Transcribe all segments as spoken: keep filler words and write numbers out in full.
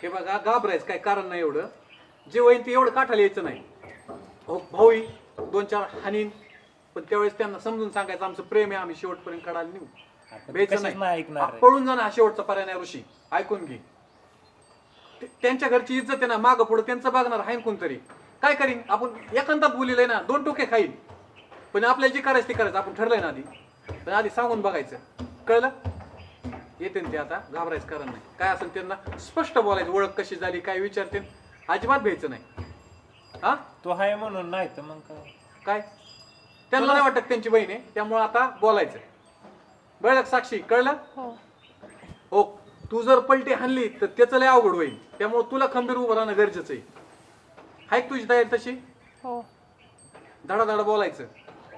हे बघा घाबरायचं काय कारण नाही एवढं. जे होईन ते एवढं काठाला यायचं नाही. भाऊ भाऊही दोन चार हानीन पण त्यावेळेस त्यांना समजून सांगायचं आमचं प्रेम आहे आम्ही शेवटपर्यंत काढायला नेऊ. बेचं नाही पळून जाणं हा शेवटचा पर्याय नाही. ऋषी ऐकून घे. त्यांच्या घरची इज्जत आहे ना मागं पुढं त्यांचं बघणार आहे कोणतरी. काय करीन आपण एकांतात बोलिलंय ना दोन टोके खाईल पण आपल्याला जे करायचं ते करायचं आपण ठरलंय ना आधी. पण आधी सांगून बघायचं कळलं. येते ते आता घाबरायचं कारण नाही. काय असेल त्यांना स्पष्ट बोलायचं ओळख कशी झाली काय विचारते अजिबात भ्यायचं नाही. हा तो आहे म्हणून नाही तर मग काय काय त्यांना नाही वाटत त्यांची बहीण आहे त्यामुळे आता बोलायचं. बरं साक्षी कळलं. हो तू जर पलटी हाणली तर त्याचं लय अवघड होईल त्यामुळे तुला खंबीर उभं राहणं गरजेचं आहे. हाय तुझी तयारी तशी. हो धडा धडा बोलायचं.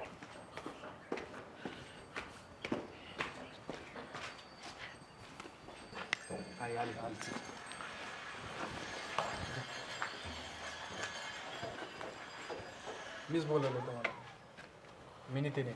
मीच बोलवलं तुम्हाला मी नितीने.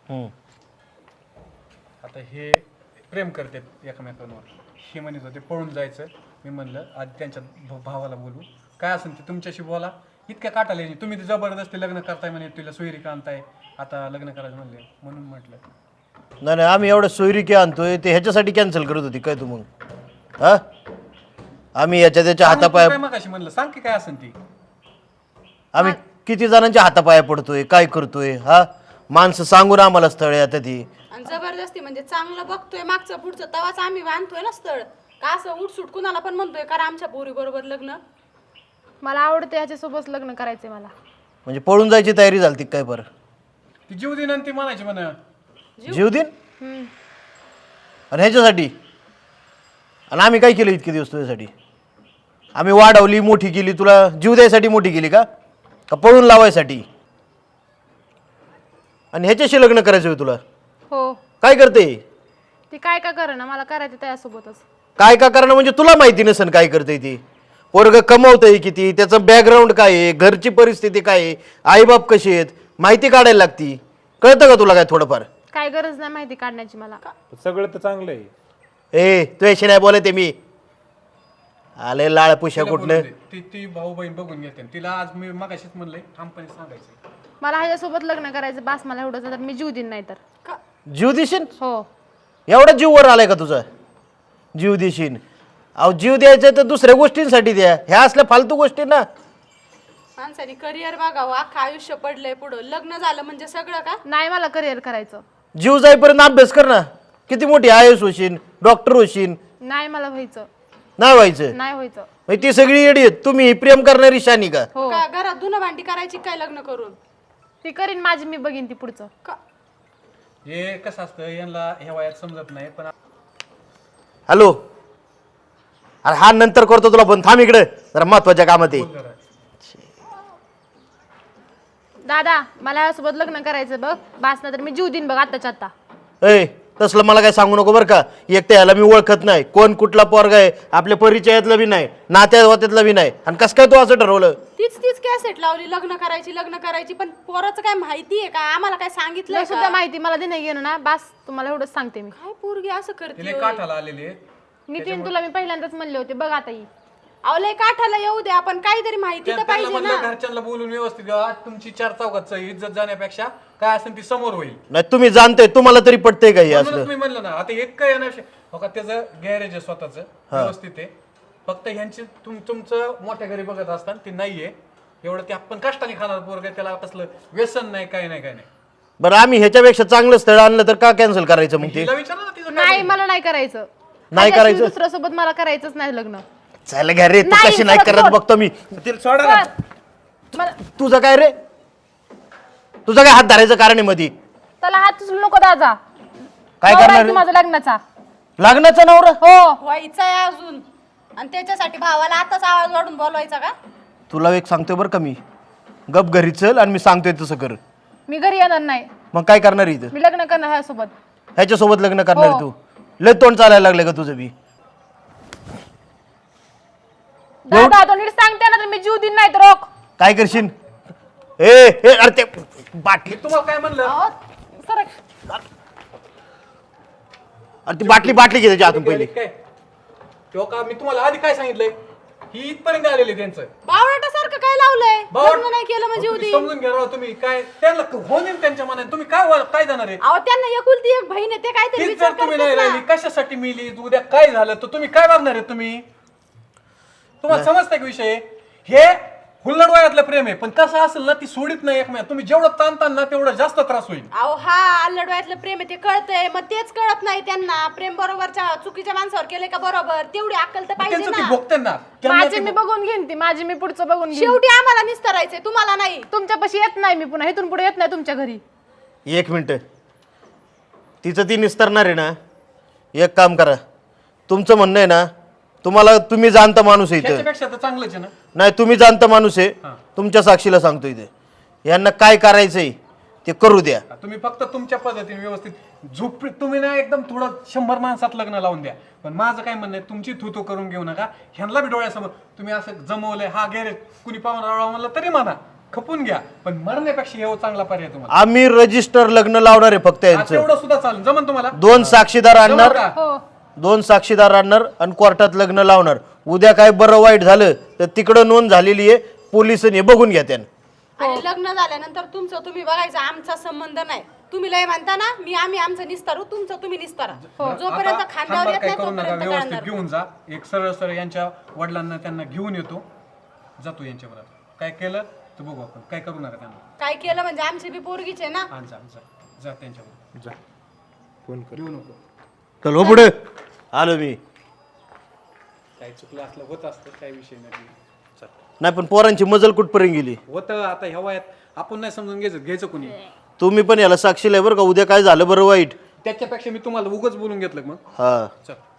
आता हे प्रेम करतात एकमेकांवर. हे म्हणत होते पळून जायचं. मी म्हणलं आधी त्यांच्या भावाला बोलू काय असेल ते तुमच्याशी बोला. इतक्या काटाला येईल तुम्ही ते जबरदस्ती लग्न करताय म्हणे तुला सोयरिका आणताय आता लग्न करायचं म्हणले म्हणून म्हटलं. नाही नाही आम्ही एवढं सोयरिकी आणतोय ते ह्याच्यासाठी कॅन्सल करत होती काय तू मग. हा आम्ही याच्या त्याच्या हातापाया काय मग अशी म्हणलं सांग की काय असेल ती. आम्ही किती जणांच्या हातापाया पडतोय काय करतोय. हा माणसं सांगून आम्हाला स्थळ आता ती आणि जबरदस्ती म्हणजे चांगलं बघतोय मागचं पुढचं तवाच आम्ही बांधतोय ना स्थळ. का असं उठसूट कुणाला पण म्हणतोय कारण आमच्या पोरी बरोबर लग्न. मला आवडते ह्याच्यासोबत लग्न करायचंय मला. म्हणजे पळून जायची तयारी झाली काय बरं. ती जीव दिन आणि ती म्हणायची म्हण जीव दिन आणि ह्याच्यासाठी. आणि आम्ही काय केलं इतके दिवस तुझ्यासाठी. आम्ही वाढवली मोठी केली तुला जीव द्यायसाठी मोठी केली का का पळून लावायसाठी. आणि ह्याच्याशी लग्न करायचं होय तुला. हो काय करते ती काय का करेना मला करायचं त्यासोबतच. काय का करणं म्हणजे तुला माहिती नसेल काय करते ती. पोरग कमवतंय किती त्याचं बॅकग्राऊंड काय आहे घरची परिस्थिती काय आहे आईबाप कशी आहेत माहिती काढायला लागती. कळतं का तुला काय थोडंफार. काय गरज नाही माहिती काढण्याची मला. सगळं तर चांगलं आहे. ए तू याशी नाही बोलते मी. आले लाळ पुष्या कुठलं. ती ती भाऊ बहीण बघून घेते तिला आज मी मगाशीच म्हणलंय ठामपणे सांगायचं. मला ह्याच्यासोबत लग्न करायचं बास मला एवढंच तर मी जीव देईन नाही तर. जीव देशील. हो एवढा जीव वर आलाय का तुझा. जीव देशील. अहो जीव द्यायचं तर दुसऱ्या गोष्टींसाठी द्या. ह्या असल्या फालतू गोष्टी ना. माणसाने करिअर बघावं अख्खं आयुष्य पडलंय पुढं. लग्न झालं म्हणजे सगळं का. नाही मला करिअर करायचं. जीव जाईपर्यंत अभ्यास कर ना. किती मोठी आय एस होशील डॉक्टर होशील. नाही मला व्हायचं. नाही व्हायचं. नाही व्हायचं. मग ती सगळी येडी आहेत. तुम्ही प्रेम करणारी शानी का. हो का घरात धुणं भांडी करायची काय लग्न करून. ती करीन माझी मी बघीन ती पुढचं. का हे कसं असतं यांना ह्या वयात समजत नाही पण हॅलो अरे हा नंतर करतो तुला पण थांब इकडे जरा महत्वाच्या कामात आहे. दादा मला ह्यासोबत लग्न करायचं बघ बास ना तर मी जीव देईन बघ आत्ताच्या आता. ए तसलं मला काय सांगू नको बरं का. एक तर ह्याला मी ओळखत नाही कोण कुठला पोरगा आहे आपल्या परिचयातलं बी नाही नात्यात वात्यातलं बी नाही. आणि कसं काय तू असं ठरवलं. तीच तीच कॅसेट लावली लग्न करायची लग्न करायची पण पोराचं काय माहिती आहे का आम्हाला काय सांगितलं नाही सुद्धा माहिती मला देणं घेणं ना बास तुम्हाला एवढंच सांगते मी. काय पोरगी असं करते. तिला काठाला आलेले नितीन तुला मी पहिल्यांदाच म्हणले होते बघ आता ही. अवलय काठाला येऊ दे आपण काहीतरी माहिती तर पाहिजे ना. घरच्यांना बोलून व्यवस्थित आज तुमची चार चौघात इज्जत जाण्यापेक्षा काय असेल ती समोर होईल. नाही तुम्ही जाणते तुम्हाला तरी पटतंय का हे म्हणूनच असलं. मी म्हणलं ना आता एक काय येणार हो का त्याचं गॅरेज आहे स्वतःच व्यवस्थित आहे. फक्त ह्यांची तुम तुमचं मोठ्या घरी बघत असताना ती नाहीये एवढं ते आपण कष्टाने खाणार पोरग त्याला कसलं व्यसन नाही काय नाही काय नाही. बरं आम्ही ह्याच्यापेक्षा चांगलं स्थळ आणलं तर का कॅन्सल करायचं मग ते. तिला विचारा ना तिचं काय नाही मला नाही करायचं. नाही करायचं. दुसऱ्या सोबत मला करायचंच नाही लग्न. चल घरे तू नाही, कशी नाही सोड, करत सोड. बघतो मी. तिला सोडा ना. मला तुझं काय रे तुझं काय हात धरायचं कारण आहे मध्ये. त्याला हात उचलू नको दादा. काय नवरा आहे करणार तू माझा लग्नाचा. लग्नाचा नवरा. हो व्हायचं आहे अजून आणि त्याच्यासाठी भावाला आताच आवाज वाढून बोलवायचा का. तुला एक सांगतोय बरं का मी गप घरी चल आणि मी सांगतोय तसं कर. मी घरी येणार नाही. मग काय करणार इथं. मी लग्न करणार ह्यासोबत. ह्याच्यासोबत लग्न करणार हो. तू लय तोंड चालायला लागलं का तुझं बी. दादा तो नीट सांगते ना तर मी जीव देईन नाही तर रोख. काय करशील. ए ए अरे ते बाटली तुम्हाला काय म्हणलं अहो, सरक. अरे ती बाटली बाटली घे त्याच्या हातून पहिली. काय तेव्हा का मी तुम्हाला आधी काय सांगितलंय ही इथपर्यंत आलेली त्यांचं बावळाटासारखं काय लावलंय बावळ- लग्न नाही केलं म्हणजे अहो, तुम्ही उदी समजून घ्या राव तुम्ही काय त्यांना होईल त्यांच्या मनात तुम्ही काय वा- काय जाणार आहे अहो त्यांना एकुलती एक बहीण आहे ते काहीतरी तीच विचार जर तुम्ही नाही करतात राहिली ना. कशासाठी मिली उद्या काय झालं तर तुम्ही काय बघणार आहे तुम्ही तुम्हाला समजतंय का विषय हे हुल्लड वयातलं प्रेम आहे पण कसं असेल ना ती सोडित नाही एकमेक तुम्ही जेवढं ताणतान ना तेवढं जास्त त्रास होईल अहो हा अल्लडवायतलं प्रेम आहे ते कळतंय मग तेच कळत नाही त्यांना प्रेम बरोबरच्या चुकीच्या माणसावर केले का बरोबर तेवढी अक्कल तर पाहिजे त्यांचं ती ना भोगते ना त्यांना माझे ती मी बघून घेईन ती माझी मी पुढचं बघून घेईन शेवटी आम्हाला निस्तरायचंय तुम्हाला नाही तुमच्यापाशी येत नाही मी पुन्हा इथून पुढे येत नाही तुमच्या घरी एक मिनटं तिचं ती निस्तरणार आहे ना एक काम करा तुमचं म्हणणं आहे ना तुम्हाला तुम्ही जाणता माणूस आहे इथं त्याच्यापेक्षा तर चांगलंच आहे ना नाही तुम्ही जाणता माणूस आहे तुमच्या साक्षीला सांगतो इथे यांना काय करायचंय ते करू द्या तुम्ही फक्त तुमच्या पद्धतीने व्यवस्थित झोप तुम्ही ना एकदम थोडं शंभर माणसात लग्न लावून द्या पण माझं काय म्हणणं आहे तुमची थुतो करून घेऊ नका ह्यांना बी डोळ्यासमोर तुम्ही असं जमवलंय हा गॅरेज कुणी पाहून रावळा म्हणलं तरी म्हणा खपून घ्या पण मरण्यापेक्षा हे चांगला पर्याय तुम्हाला आम्ही रजिस्टर लग्न लावणार आहे फक्त हा, यांचं तेवढं सुद्धा चालेल जमन तुम्हाला दोन साक्षीदार आणणार जमलं का? हो दोन साक्षीदार आणणार आणि कोर्टात लग्न लावणार उद्या काय बरं वाईट झालं तर तिकडं नोंद झालेली आहे पोलिसांनी बघून घ्या त्यानं आणि लग्न झाल्यानंतर तुमचं तुम्ही बघायचं आमचा संबंध नाही तुम्ही लय म्हणता ना मी आम्ही आमचं निस्तारू तुमचं तुम्ही निस्तारा जोपर्यंत आता खांद्यावर हातभार येत काय नाही करू नका तोपर्यंत व्यवस्थित कळणार घेऊन जा एक सरळ सरळ यांच्या वडिलांना त्यांना घेऊन येतो जातो यांच्याबरोबर काय केलं तर बघू आपण काय करू नका त्यांना काय केलं म्हणजे आमची बी पोरगीच आहे ना हा जा जा जा त्यांच्याबरोबर जा फोन कर घेऊ नको चल हो पुढे आलो मी काय चुकलं असलं होत असतं काय विषय नाही चल नाही पण पोरांची मजल कुठपर्यंत गेली होतं आता ह्या वयात आपण नाही समजून घ्यायचं घ्यायचं कोणी तुम्ही पण याला साक्षीला आहे बरं का उद्या काय झालं बरं वाईट त्याच्यापेक्षा मी तुम्हाला उगाच बोलून घेतलं मग हा चल